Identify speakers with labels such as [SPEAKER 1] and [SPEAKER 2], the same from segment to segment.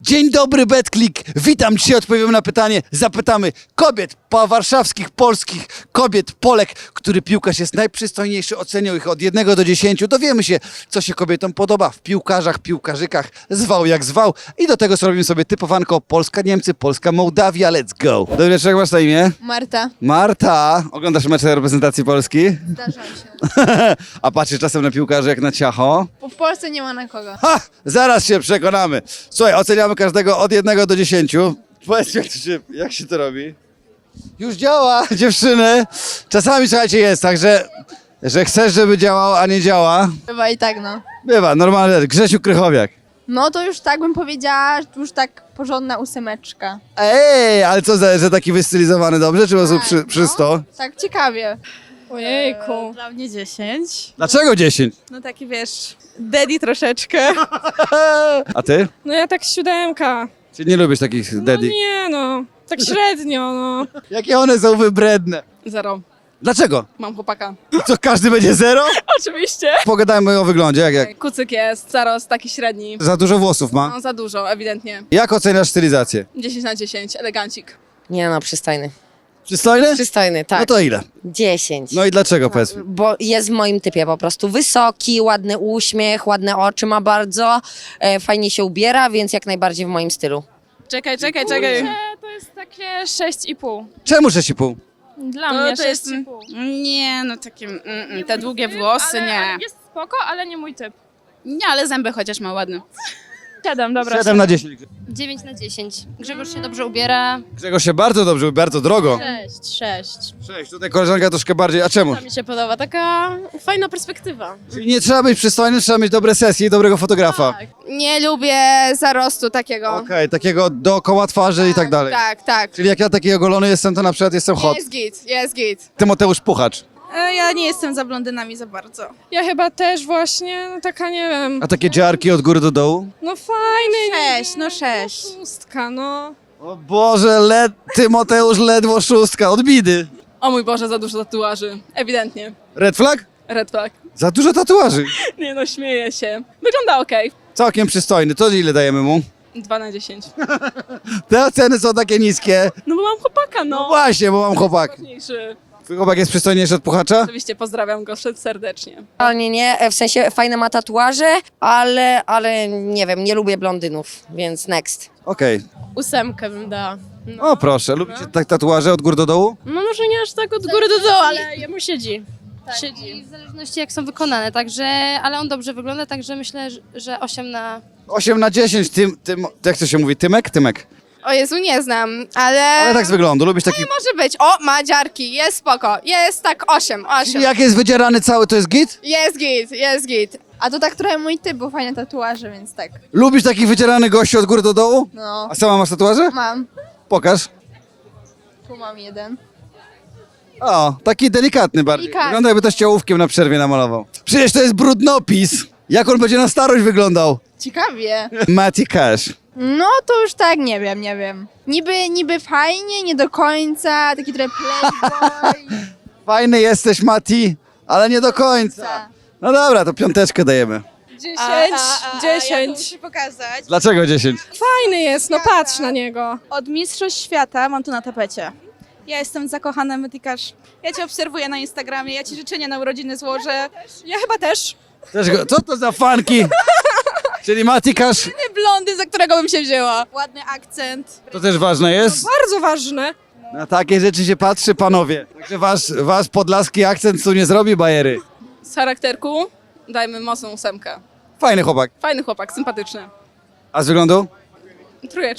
[SPEAKER 1] Dzień dobry, BetClick. Witam. Dzisiaj odpowiemy na pytanie. Zapytamy kobiet warszawskich, polskich kobiet, Polek, który piłkarz jest najprzystojniejszy. Ocenią ich od 1 do 10. Dowiemy się, co się kobietom podoba w piłkarzach, piłkarzykach. Zwał jak zwał. I do tego zrobimy sobie typowanko Polska-Niemcy, Polska-Mołdawia. Let's go. Dobry wieczór, jak masz na imię?
[SPEAKER 2] Marta.
[SPEAKER 1] Marta. Oglądasz mecze reprezentacji Polski?
[SPEAKER 2] Zdarza się.
[SPEAKER 1] A patrzysz czasem na piłkarzy jak na ciacho?
[SPEAKER 2] Bo w Polsce nie ma na kogo.
[SPEAKER 1] Ha! Zaraz się przekonamy. Słuchaj, oceniamy każdego od 1 do 10. Powiedz, jak się to robi? Już działa, dziewczyny. Czasami, słuchajcie, jest tak, że chcesz, żeby działał, a nie działa.
[SPEAKER 2] Chyba i tak, no.
[SPEAKER 1] Bywa, normalnie. Grzesiu Krychowiak.
[SPEAKER 2] No to już tak bym powiedziała, już tak porządna 8.
[SPEAKER 1] Ej, ale co, że taki wystylizowany dobrze, czy po prostu przysto?
[SPEAKER 2] Tak ciekawie.
[SPEAKER 3] Ojejku.
[SPEAKER 4] Dla mnie 10.
[SPEAKER 1] Dlaczego 10?
[SPEAKER 4] No taki wiesz, daddy troszeczkę.
[SPEAKER 1] A ty?
[SPEAKER 3] No ja tak 7.
[SPEAKER 1] Czy nie lubisz takich
[SPEAKER 3] No
[SPEAKER 1] daddy?
[SPEAKER 3] nie no, tak średnio no.
[SPEAKER 1] Jakie one są wybredne.
[SPEAKER 4] 0.
[SPEAKER 1] Dlaczego?
[SPEAKER 4] Mam chłopaka.
[SPEAKER 1] Co, każdy będzie 0?
[SPEAKER 4] Oczywiście.
[SPEAKER 1] Pogadajmy o wyglądzie, jak?
[SPEAKER 4] Kucyk jest, zarost taki średni.
[SPEAKER 1] Za dużo włosów ma.
[SPEAKER 4] No za dużo, ewidentnie.
[SPEAKER 1] Jak oceniasz stylizację?
[SPEAKER 4] 10 na 10, elegancik.
[SPEAKER 5] Nie no, przystojny.
[SPEAKER 1] Przystojny?
[SPEAKER 5] Przystojny, tak.
[SPEAKER 1] No to ile?
[SPEAKER 5] 10.
[SPEAKER 1] No i dlaczego, powiedz mi?
[SPEAKER 5] Bo jest w moim typie po prostu. Wysoki, ładny uśmiech, ładne oczy ma bardzo, fajnie się ubiera, więc jak najbardziej w moim stylu.
[SPEAKER 4] Czekaj.
[SPEAKER 6] To jest takie 6,5.
[SPEAKER 1] Czemu 6,5?
[SPEAKER 6] Dla
[SPEAKER 4] No,
[SPEAKER 6] mnie
[SPEAKER 4] to jest-
[SPEAKER 6] 6,5.
[SPEAKER 4] Nie, no takie, te długie włosy,
[SPEAKER 6] ale,
[SPEAKER 4] nie.
[SPEAKER 6] Ale jest spoko, ale nie mój typ.
[SPEAKER 4] Nie, ale zęby chociaż ma ładne.
[SPEAKER 6] 7, dobra.
[SPEAKER 1] 7 na 10.
[SPEAKER 7] 9 na 10. Grzegorz się dobrze ubiera.
[SPEAKER 1] Grzegorz się bardzo dobrze, bardzo drogo.
[SPEAKER 7] 6.
[SPEAKER 1] 6. Tutaj koleżanka troszkę bardziej. A czemu?
[SPEAKER 7] To mi się podoba, taka fajna perspektywa.
[SPEAKER 1] Czyli nie trzeba być przystojnym, trzeba mieć dobre sesje i dobrego fotografa.
[SPEAKER 2] Nie lubię zarostu takiego.
[SPEAKER 1] Okej, takiego dookoła twarzy i tak dalej.
[SPEAKER 2] Tak.
[SPEAKER 1] Czyli jak ja taki ogolony jestem, to na przykład jestem hot.
[SPEAKER 2] Jest git.
[SPEAKER 1] Tymoteusz Puchacz.
[SPEAKER 4] Ja nie jestem za blondynami za bardzo.
[SPEAKER 3] Ja chyba też właśnie, no taka nie wiem,
[SPEAKER 1] A takie dziarki od góry do dołu?
[SPEAKER 3] no fajny.
[SPEAKER 4] 6, no 6.
[SPEAKER 3] 6, no.
[SPEAKER 1] O Boże, Tymoteusz ledwo 6, od bidy.
[SPEAKER 4] O mój Boże, za dużo tatuaży. Ewidentnie.
[SPEAKER 1] Red flag?
[SPEAKER 4] Red flag.
[SPEAKER 1] Za dużo tatuaży.
[SPEAKER 4] Nie no, śmieję się. Wygląda okej.
[SPEAKER 1] Całkiem przystojny. To ile dajemy mu?
[SPEAKER 4] 2 na 10.
[SPEAKER 1] Te oceny są takie niskie.
[SPEAKER 4] No bo mam chłopaka,
[SPEAKER 1] No
[SPEAKER 4] no.
[SPEAKER 1] właśnie, bo mam chłopak.
[SPEAKER 4] Ważniejszy.
[SPEAKER 1] Twój chłopak jest przystojniejszy od Puchacza?
[SPEAKER 4] Oczywiście pozdrawiam go serdecznie.
[SPEAKER 5] Ale nie, w sensie fajne ma tatuaże, ale nie wiem, nie lubię blondynów, więc next.
[SPEAKER 1] Okej.
[SPEAKER 7] 8 bym dała.
[SPEAKER 1] O proszę, lubicie tak tatuaże od góry do dołu?
[SPEAKER 7] No może nie aż tak od góry do dołu, ale jemu siedzi. Siedzi. I w zależności jak są wykonane, także, ale on dobrze wygląda, także myślę, że 8 na...
[SPEAKER 1] 8 na 10, jak to się mówi, Tymek? Tymek.
[SPEAKER 2] O Jezu, nie znam, ale...
[SPEAKER 1] Ale tak z wyglądu, lubisz taki...
[SPEAKER 2] Może być. O, ma dziarki, jest spoko. Jest tak 8.
[SPEAKER 1] Czyli jak jest wydzierany cały, to jest git?
[SPEAKER 2] Jest git. A to tak trochę mój typ, bo fajne tatuaże, więc tak.
[SPEAKER 1] Lubisz takich wydzieranych gości od góry do dołu?
[SPEAKER 2] No,
[SPEAKER 1] A sama masz tatuaże?
[SPEAKER 2] mam.
[SPEAKER 1] Pokaż.
[SPEAKER 2] Tu mam jeden.
[SPEAKER 1] O, taki delikatny bardziej.
[SPEAKER 2] Delikatny.
[SPEAKER 1] Wygląda jakby to ściołówkiem na przerwie namalował. Przecież to jest brudnopis. Jak on będzie na starość wyglądał?
[SPEAKER 2] Ciekawie.
[SPEAKER 1] Matty Cash.
[SPEAKER 2] No to już tak, nie wiem. Niby fajnie, nie do końca, taki trochę playboy.
[SPEAKER 1] Fajny jesteś, Mati, ale nie do końca. No dobra, to 5 dajemy.
[SPEAKER 3] 10,
[SPEAKER 4] Ja
[SPEAKER 3] 10.
[SPEAKER 4] to muszę pokazać.
[SPEAKER 1] Dlaczego 10?
[SPEAKER 3] Fajny jest, no patrz na niego.
[SPEAKER 4] Od Mistrzostw Świata mam tu na tapecie. Ja jestem zakochana metykarz. Ja cię obserwuję na Instagramie, ja ci życzenia na urodziny złożę.
[SPEAKER 3] Ja chyba też.
[SPEAKER 1] Co to za fanki? Czyli Mati Cash,
[SPEAKER 4] Nie blondy, za którego bym się wzięła. Ładny akcent.
[SPEAKER 1] to też ważne jest.
[SPEAKER 3] Bardzo ważne.
[SPEAKER 1] Na takie rzeczy się patrzy, panowie. Także wasz podlaski akcent tu nie zrobi bajery.
[SPEAKER 4] Z charakterku dajmy mocną 8.
[SPEAKER 1] Fajny chłopak.
[SPEAKER 4] Fajny chłopak, sympatyczny.
[SPEAKER 1] A z wyglądu?
[SPEAKER 4] 3.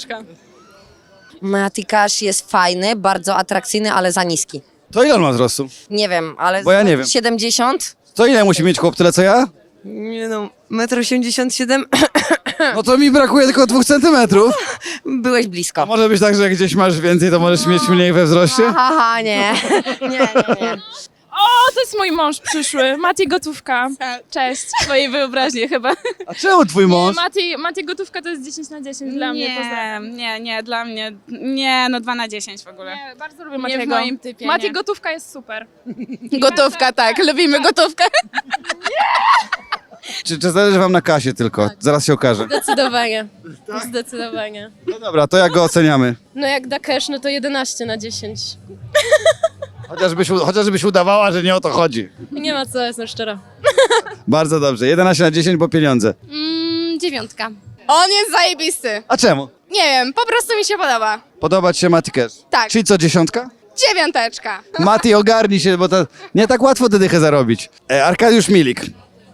[SPEAKER 5] Matikasz jest fajny, bardzo atrakcyjny, ale za niski.
[SPEAKER 1] To ile on ma wzrostu?
[SPEAKER 5] Nie wiem, ale...
[SPEAKER 1] Bo ja nie wiem.
[SPEAKER 5] 70?
[SPEAKER 1] To ile musi mieć chłop, tyle co ja?
[SPEAKER 5] Nie no, 1,87 m.
[SPEAKER 1] No to mi brakuje tylko 2 centymetrów.
[SPEAKER 5] Byłeś
[SPEAKER 1] A
[SPEAKER 5] blisko.
[SPEAKER 1] może być tak, że jak gdzieś masz więcej, to możesz mieć mniej we wzroście?
[SPEAKER 5] Haha, nie. Nie.
[SPEAKER 6] O, to jest mój mąż przyszły. Mati Gotówka. Cześć.
[SPEAKER 4] Twojej wyobraźni chyba.
[SPEAKER 1] A czemu twój mąż?
[SPEAKER 6] Mati Gotówka to jest 10 na 10 dla mnie. Pozdrawiam.
[SPEAKER 4] nie, dla mnie. Nie, no 2 na 10 w ogóle.
[SPEAKER 6] Nie, bardzo lubię
[SPEAKER 4] Nie
[SPEAKER 6] Matiego.
[SPEAKER 4] w moim typie,
[SPEAKER 6] Mati
[SPEAKER 4] nie.
[SPEAKER 6] Gotówka jest super.
[SPEAKER 4] Gotówka, tak, lubimy gotówkę.
[SPEAKER 1] Czy zależy wam na kasie tylko? Zaraz się okaże.
[SPEAKER 7] Zdecydowanie. Zdecydowanie.
[SPEAKER 1] No dobra, to jak go oceniamy?
[SPEAKER 7] No jak da cash, no to 11/10.
[SPEAKER 1] Chociażbyś udawała, że nie o to chodzi.
[SPEAKER 7] Nie ma co, jestem szczera.
[SPEAKER 1] Bardzo dobrze. 11/10, bo pieniądze.
[SPEAKER 7] 9.
[SPEAKER 2] On jest zajebisty.
[SPEAKER 1] A czemu?
[SPEAKER 2] Nie wiem, po prostu mi się podoba.
[SPEAKER 1] Podoba ci się Mati Cash?
[SPEAKER 2] Tak.
[SPEAKER 1] Czyli co, 10?
[SPEAKER 2] 9.
[SPEAKER 1] Mati, ogarnij się, bo to nie tak łatwo tę dychę zarobić. Arkadiusz Milik.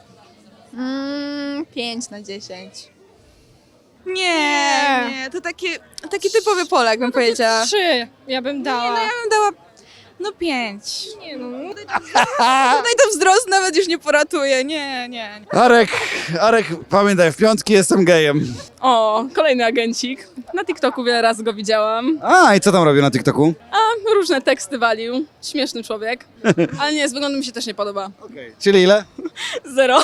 [SPEAKER 2] 5/10.
[SPEAKER 4] Nie, to taki typowy Polak, bym powiedziała.
[SPEAKER 3] 3 ja bym dała.
[SPEAKER 4] Ja bym dała, 5.
[SPEAKER 3] Nie no.
[SPEAKER 4] Tutaj to wzrost nawet już nie poratuje, nie.
[SPEAKER 1] Arek, pamiętaj, w piątki jestem gejem.
[SPEAKER 6] O, kolejny agencik. Na TikToku wiele razy go widziałam.
[SPEAKER 1] A, i co tam robię na TikToku?
[SPEAKER 6] A różne teksty walił. Śmieszny człowiek. Ale nie, z wyglądu mi się też nie podoba.
[SPEAKER 1] Czyli ile?
[SPEAKER 6] 0.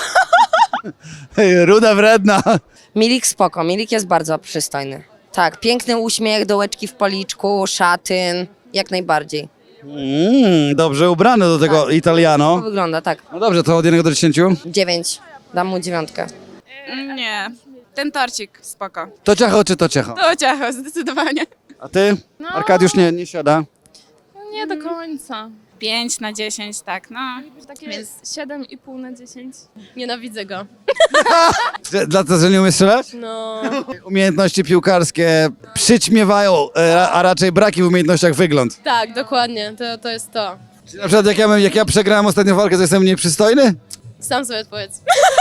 [SPEAKER 1] Ruda wredna.
[SPEAKER 5] Milik spoko, Milik jest bardzo przystojny. Tak, piękny uśmiech, dołeczki w policzku, szatyn, jak najbardziej.
[SPEAKER 1] Dobrze ubrany do tego
[SPEAKER 5] To
[SPEAKER 1] Italiano.
[SPEAKER 5] wygląda tak.
[SPEAKER 1] No dobrze, to od 1 do 10.
[SPEAKER 5] 9. Dam mu 9.
[SPEAKER 4] Nie, ten torcik, spoko.
[SPEAKER 1] To ciacho czy to ciecho?
[SPEAKER 4] To ciacho, zdecydowanie.
[SPEAKER 1] A ty? Arkadiusz nie siada.
[SPEAKER 6] Nie do końca.
[SPEAKER 4] 5/10, tak, no.
[SPEAKER 6] Takie 7,5/10.
[SPEAKER 7] Nienawidzę go.
[SPEAKER 1] Dlatego, że nie umiesz strzelać?
[SPEAKER 7] No.
[SPEAKER 1] Umiejętności piłkarskie przyćmiewają, a raczej braki w umiejętnościach wygląd.
[SPEAKER 7] Tak, dokładnie, to jest to.
[SPEAKER 1] Czyli na przykład jak ja przegrałem ostatnią walkę, to jestem mniej przystojny?
[SPEAKER 7] Sam sobie odpowiedz.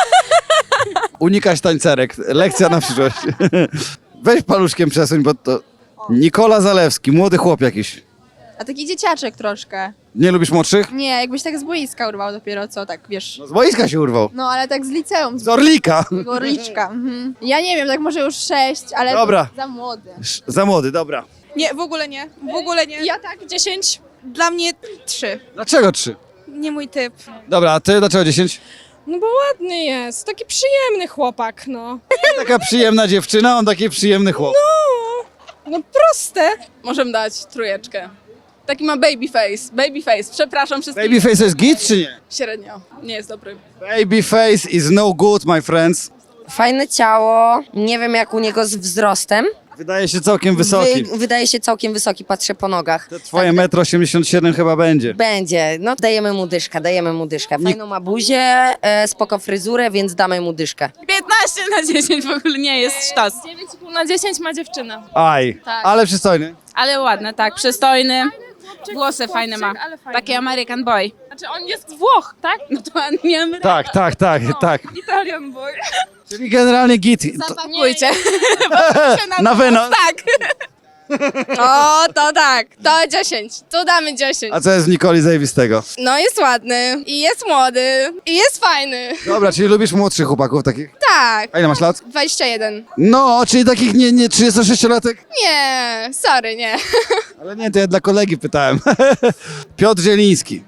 [SPEAKER 1] Unikać tańcerek. Lekcja na przyszłość. Weź paluszkiem przesuń, bo to... Nikola Zalewski, młody chłop jakiś.
[SPEAKER 2] A taki dzieciaczek troszkę.
[SPEAKER 1] Nie lubisz młodszych?
[SPEAKER 2] Nie, jakbyś tak z boiska urwał dopiero co, tak wiesz.
[SPEAKER 1] No z boiska się urwał.
[SPEAKER 2] No ale tak z liceum, z
[SPEAKER 1] Z Orlika.
[SPEAKER 2] Gorliczka. Mhm. Ja nie wiem, tak może już 6, ale
[SPEAKER 1] Dobra.
[SPEAKER 2] za młody.
[SPEAKER 1] Za młody, dobra.
[SPEAKER 4] Nie, w ogóle nie.
[SPEAKER 3] Ja tak, 10.
[SPEAKER 4] Dla mnie 3.
[SPEAKER 1] Dlaczego 3?
[SPEAKER 4] Nie mój typ.
[SPEAKER 1] Dobra, a ty dlaczego 10?
[SPEAKER 3] No bo ładny jest, taki przyjemny chłopak, no.
[SPEAKER 1] Taka przyjemna dziewczyna, on taki przyjemny chłop.
[SPEAKER 3] No proste.
[SPEAKER 6] Możemy dać 3. Taki ma babyface. Przepraszam wszystkich.
[SPEAKER 1] Babyface to jest git czy nie?
[SPEAKER 6] Średnio. Nie jest dobry.
[SPEAKER 1] Babyface is no good, my friends.
[SPEAKER 5] Fajne ciało, nie wiem jak u niego z wzrostem.
[SPEAKER 1] Wydaje się całkiem wysoki.
[SPEAKER 5] Wydaje się całkiem wysoki, patrzę po nogach.
[SPEAKER 1] To twoje 1,87 m chyba będzie.
[SPEAKER 5] Będzie, no dajemy mu dyszkę. Fajną ma buzię, spoko fryzurę, więc damy mu dyszkę.
[SPEAKER 4] 15/10 w ogóle nie jest sztos.
[SPEAKER 6] 9,5/10 ma dziewczyna.
[SPEAKER 1] Aj,
[SPEAKER 6] Tak.
[SPEAKER 1] ale przystojny.
[SPEAKER 4] Ale ładny, tak, przystojny. Włosy fajne ma.
[SPEAKER 6] Ale fajny.
[SPEAKER 4] Taki American boy.
[SPEAKER 6] Znaczy on jest z Włoch, tak?
[SPEAKER 4] No to on nie Amerykan.
[SPEAKER 1] Tak.
[SPEAKER 6] Italian boy.
[SPEAKER 1] Czyli generalnie git.
[SPEAKER 4] Zapakujcie.
[SPEAKER 1] Na wynos.
[SPEAKER 4] Tak.
[SPEAKER 7] O, to tak, to 10. Tu damy 10.
[SPEAKER 1] A co jest w Nikoli zajebistego?
[SPEAKER 7] No jest ładny, i jest młody, i jest fajny.
[SPEAKER 1] Dobra, czyli lubisz młodszych chłopaków takich?
[SPEAKER 7] Tak,
[SPEAKER 1] A ile masz lat?
[SPEAKER 7] 21.
[SPEAKER 1] No, czyli takich nie 36-latek?
[SPEAKER 7] Nie, sorry, nie.
[SPEAKER 1] Ale nie, to ja dla kolegi pytałem. Piotr Zieliński.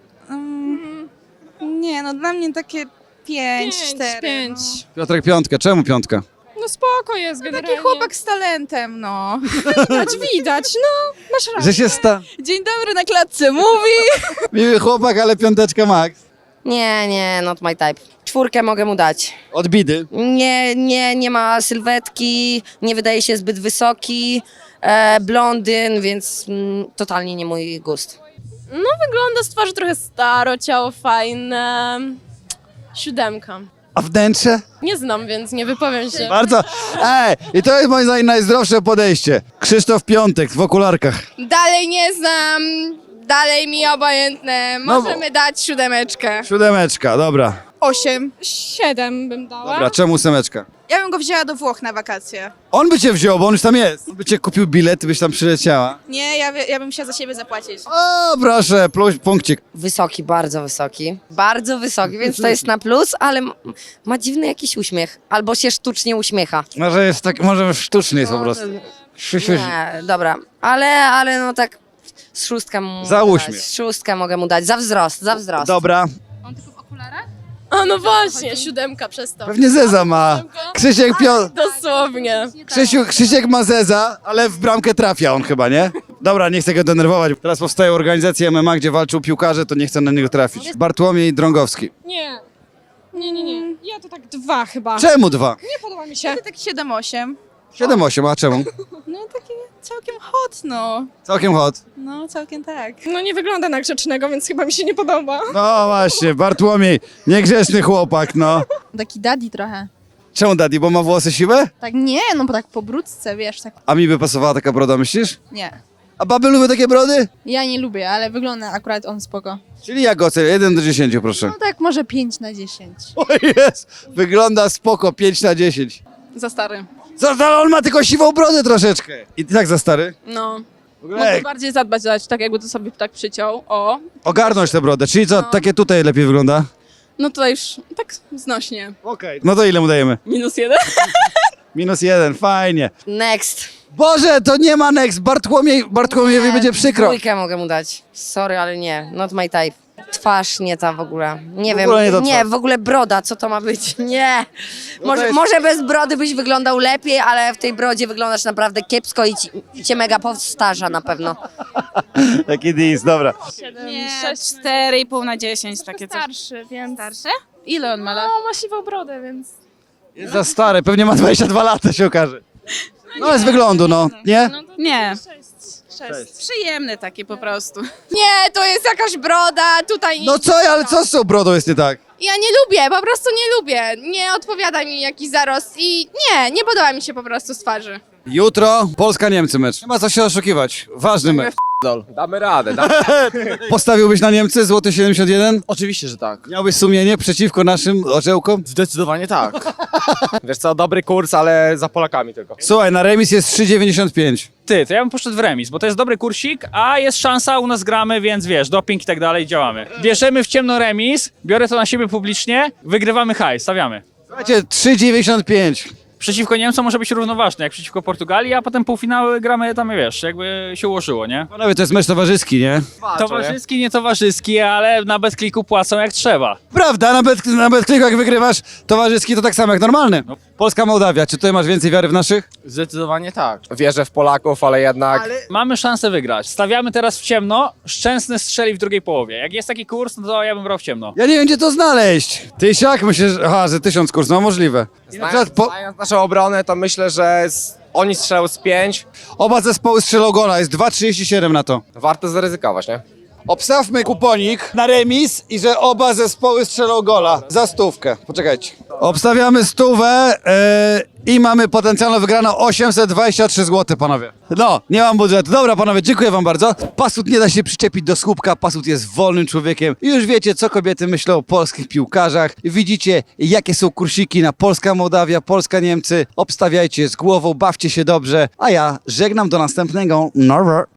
[SPEAKER 4] Nie, no dla mnie takie 5, 4.
[SPEAKER 3] 5.
[SPEAKER 1] Piotrek piątkę, czemu piątka?
[SPEAKER 3] No spoko jest generalnie.
[SPEAKER 4] Taki chłopak z talentem, no.
[SPEAKER 3] Widać, no. Masz rację.
[SPEAKER 1] Że się
[SPEAKER 4] Dzień dobry na klatce mówi.
[SPEAKER 1] miły chłopak, ale piąteczka max.
[SPEAKER 5] Nie, not my type. 4 mogę mu dać.
[SPEAKER 1] Od bidy.
[SPEAKER 5] Nie ma sylwetki, nie wydaje się zbyt wysoki, blondyn, więc totalnie nie mój gust.
[SPEAKER 7] No wygląda z twarzy trochę staro, ciało fajne. 7.
[SPEAKER 1] A wnętrze?
[SPEAKER 7] Nie znam, więc nie wypowiem się.
[SPEAKER 1] Bardzo. I to jest moim zdaniem najzdrowsze podejście. Krzysztof Piątek w okularkach.
[SPEAKER 7] Dalej nie znam, dalej mi obojętne.
[SPEAKER 1] No bo-
[SPEAKER 7] Możemy dać 7.
[SPEAKER 1] 7, dobra.
[SPEAKER 4] 8.
[SPEAKER 3] 7 bym dała.
[SPEAKER 1] Dobra, czemu 8?
[SPEAKER 4] Ja bym go wzięła do Włoch na wakacje.
[SPEAKER 1] On by cię wziął, bo on już tam jest. On by cię kupił bilet, ty byś tam przyleciała.
[SPEAKER 4] Nie, ja bym chciała za siebie zapłacić.
[SPEAKER 1] O, proszę, punkcik.
[SPEAKER 5] Wysoki, bardzo wysoki. Bardzo wysoki, więc to jest na plus, ale ma dziwny jakiś uśmiech. Albo się sztucznie uśmiecha.
[SPEAKER 1] Może jest tak, może sztuczny jest po prostu.
[SPEAKER 5] Nie, dobra. Ale no tak z 6 mu
[SPEAKER 1] Za
[SPEAKER 5] mogę
[SPEAKER 1] uśmiech.
[SPEAKER 5] dać. 6 mogę mu dać. Za wzrost.
[SPEAKER 1] Dobra.
[SPEAKER 7] A no właśnie, 7 przez to.
[SPEAKER 1] Pewnie Zeza ma. Krzysiek
[SPEAKER 7] Dosłownie.
[SPEAKER 1] Krzysiek ma Zeza, ale w bramkę trafia on chyba, nie? Dobra, nie chcę go denerwować. Teraz powstaje organizacja MMA, gdzie walczą piłkarze, to nie chcę na niego trafić. Bartłomiej Drągowski.
[SPEAKER 3] Nie. Nie. Ja to tak 2 chyba.
[SPEAKER 1] Czemu 2?
[SPEAKER 3] Nie podoba mi się.
[SPEAKER 4] Tak 7-8.
[SPEAKER 1] 7-8, a czemu?
[SPEAKER 4] No takie całkiem hot, no.
[SPEAKER 1] Całkiem hot.
[SPEAKER 4] No, całkiem tak.
[SPEAKER 3] No nie wygląda na grzecznego, więc chyba mi się nie podoba.
[SPEAKER 1] No właśnie, Bartłomiej, niegrzeczny chłopak, no.
[SPEAKER 2] Taki daddy trochę.
[SPEAKER 1] Czemu daddy, bo ma włosy siwe?
[SPEAKER 2] Tak nie, no bo tak po brudce, wiesz, tak
[SPEAKER 1] A mi by pasowała taka broda, myślisz?
[SPEAKER 2] nie.
[SPEAKER 1] A baby lubią takie brody?
[SPEAKER 2] Ja nie lubię, ale wygląda akurat on spoko.
[SPEAKER 1] Czyli jak ocenię? 1 do 10, proszę.
[SPEAKER 2] No tak może 5 na 10.
[SPEAKER 1] O jest, wygląda spoko, 5 na 10.
[SPEAKER 8] Za stary.
[SPEAKER 1] Co, ale on ma tylko siwą brodę troszeczkę. I tak za stary?
[SPEAKER 8] No.
[SPEAKER 1] W ogóle,
[SPEAKER 8] Mógłby bardziej zadbać, tak jakby to sobie tak przyciął. O.
[SPEAKER 1] ogarnąć tę brodę, czyli co, takie tutaj lepiej wygląda?
[SPEAKER 8] No tutaj już tak znośnie.
[SPEAKER 1] Okej. No to ile mu dajemy?
[SPEAKER 8] -1.
[SPEAKER 1] -1, fajnie.
[SPEAKER 5] Next.
[SPEAKER 1] Boże, to nie ma next, Bartłomiejowi będzie przykro.
[SPEAKER 5] 2 mogę mu dać. Sorry, ale nie. Not my type. Twarz nie ta w ogóle. Nie wiem.
[SPEAKER 1] ogóle nie ta
[SPEAKER 5] Nie,
[SPEAKER 1] twarz.
[SPEAKER 5] w ogóle broda, co to ma być? Nie.
[SPEAKER 1] No
[SPEAKER 5] Może,
[SPEAKER 1] to jest-
[SPEAKER 5] może bez brody byś wyglądał lepiej, ale w tej brodzie wyglądasz naprawdę kiepsko i cię mega powstarza na pewno.
[SPEAKER 1] Taki dis, dobra.
[SPEAKER 4] Nie, 4,5 na 10, takie coś.
[SPEAKER 6] Starszy, więc...
[SPEAKER 4] Starsze? Ile on ma lat?
[SPEAKER 6] No, ma siwą brodę, więc...
[SPEAKER 1] Jest za stary, pewnie ma 22 lata, się okaże. No z wyglądu, no, nie?
[SPEAKER 4] Nie.
[SPEAKER 6] 6.
[SPEAKER 4] Przyjemny taki po prostu.
[SPEAKER 7] Nie, to jest jakaś broda, tutaj...
[SPEAKER 1] No co, ale co z tą brodą jest nie tak?
[SPEAKER 7] Ja nie lubię, po prostu nie lubię. Nie odpowiada mi jakiś zarost i nie podoba mi się po prostu z twarzy.
[SPEAKER 1] Jutro Polska-Niemcy mecz. Nie ma co się oszukiwać, ważny mecz.
[SPEAKER 9] Damy radę.
[SPEAKER 1] Postawiłbyś na Niemcy, złoty 71?
[SPEAKER 9] Oczywiście, że tak.
[SPEAKER 1] Miałbyś sumienie przeciwko naszym orzełkom?
[SPEAKER 9] Zdecydowanie tak. Wiesz co, dobry kurs, ale za Polakami tylko.
[SPEAKER 1] Słuchaj, na remis jest 3,95.
[SPEAKER 10] Ty, to ja bym poszedł w remis, bo to jest dobry kursik, a jest szansa, u nas gramy, więc wiesz, doping i tak dalej, działamy. Bierzemy w ciemno remis, biorę to na siebie publicznie, wygrywamy hajs, stawiamy.
[SPEAKER 1] Słuchajcie, 3,95.
[SPEAKER 10] Przeciwko Niemcom może być równoważny, jak przeciwko Portugalii, a potem półfinały gramy tam, wiesz, jakby się ułożyło, nie?
[SPEAKER 1] Panowie, to jest mecz towarzyski, nie?
[SPEAKER 10] Towarzyski, nie towarzyski, ale na BetClicku płacą jak trzeba.
[SPEAKER 1] Prawda, na BetClicku jak wygrywasz towarzyski, to tak samo jak normalny. Polska-Mołdawia, czy tutaj masz więcej wiary w naszych?
[SPEAKER 9] Zdecydowanie tak. Wierzę w Polaków, ale jednak...
[SPEAKER 10] Mamy szansę wygrać. Stawiamy teraz w ciemno, Szczęsny strzeli w drugiej połowie. Jak jest taki kurs, no to ja bym brał w ciemno.
[SPEAKER 1] Ja nie wiem, gdzie to znaleźć. Tysiak? Myślę, że, aha, że 1000 kurs, no możliwe. I na przykład
[SPEAKER 9] Znając naszą obronę, to myślę, że oni strzelą z 5.
[SPEAKER 1] oba zespoły strzelą gola, jest 2,37 na to.
[SPEAKER 9] Warto zaryzykować, nie?
[SPEAKER 1] Obstawmy kuponik na remis i że oba zespoły strzelą gola za 100. Poczekajcie. Obstawiamy 100 i mamy potencjalną wygraną 823 zł, panowie. No, nie mam budżetu. Dobra, panowie, dziękuję wam bardzo. Pasut nie da się przyczepić do słupka, Pasut jest wolnym człowiekiem. I już wiecie, co kobiety myślą o polskich piłkarzach. Widzicie, jakie są kursiki na Polska-Mołdawia, Polska-Niemcy. Obstawiajcie z głową, bawcie się dobrze. A ja żegnam do następnego. Norwer.